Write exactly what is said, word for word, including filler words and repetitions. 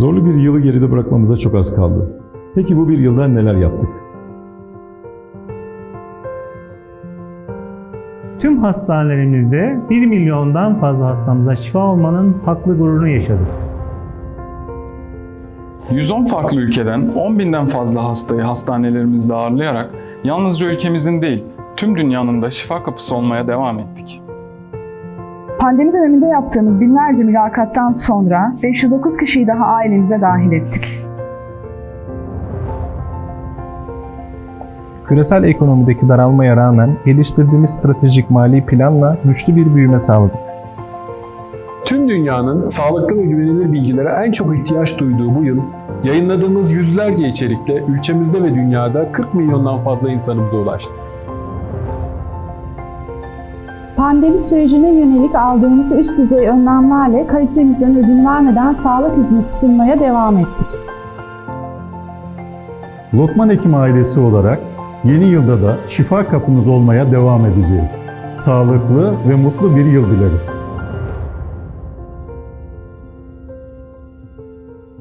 Zorlu bir yılı geride bırakmamıza çok az kaldı. Peki bu bir yılda neler yaptık? Tüm hastanelerimizde bir milyondan fazla hastamıza şifa olmanın haklı gururunu yaşadık. yüz on farklı ülkeden on binden fazla hastayı hastanelerimizde ağırlayarak yalnızca ülkemizin değil, tüm dünyanın da şifa kapısı olmaya devam ettik. Pandemi döneminde yaptığımız binlerce mülakattan sonra beş yüz dokuz kişiyi daha ailemize dahil ettik. Küresel ekonomideki daralmaya rağmen geliştirdiğimiz stratejik mali planla güçlü bir büyüme sağladık. Tüm dünyanın sağlıklı ve güvenilir bilgilere en çok ihtiyaç duyduğu bu yıl, yayınladığımız yüzlerce içerikle ülkemizde ve dünyada kırk milyondan fazla insanımıza ulaştık. Pandemi sürecine yönelik aldığımız üst düzey önlemlerle kalitemizden ödün vermeden sağlık hizmeti sunmaya devam ettik. Lokman Hekim ailesi olarak yeni yılda da şifa kapınız olmaya devam edeceğiz. Sağlıklı ve mutlu bir yıl dileriz.